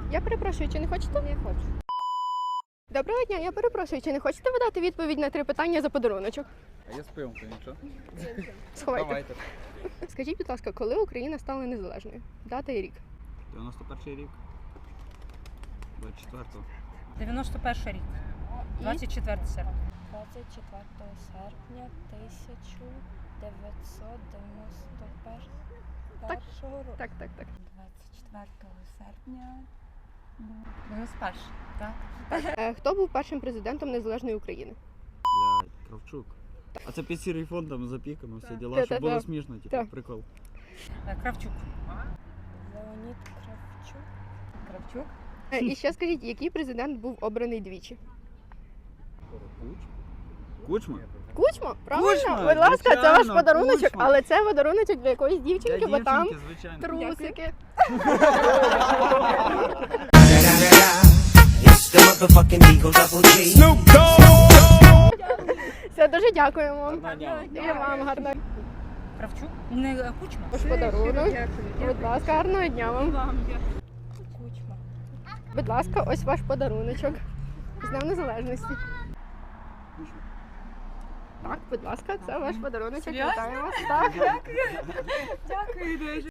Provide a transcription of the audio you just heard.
Я перепрошую, чи не хочете? Не хочу. Доброго дня, я перепрошую, чи не хочете ви дати відповідь на 3 питання за подаруночок? А я з пивом, то нічого. Сховайте. Давайте. Скажіть, будь ласка, коли Україна стала незалежною? Дата і рік. 91 рік. 24-го. 91 рік. 24 серпня. 24 серпня 1991 року. Так. 24 серпня. 91, так? Хто був першим президентом незалежної України? Блядь, Кравчук. А це під сірий фон там запікано, всі діла, Та-та-та. щоб було смішно, типу, Так. прикол. Кравчук. Леонід Кравчук. Кравчук. І ще скажіть, який президент був обраний двічі? Кучма? Кучма? Правильно? Кучма, Будь ласка, це ваш звичайно, подаруночок, Кучма. але це подаруночок для якоїсь дівчинки, Для бо там дівчинки, звичайно. трусики. It's the motherfucking Eagle Double G. Все, дуже дякуємо вам. Гарного дня. І вам гарного. Кравчук? Не Кучма? Ваш подарунок. Будь ласка, гарного дня вам. Кучма. Будь ласка, ось ваш подаруночок. З Днем Незалежності. Так, будь ласка, це ваш подаруночок. Серйозно? Вітаю вас. Так. Дякую дуже.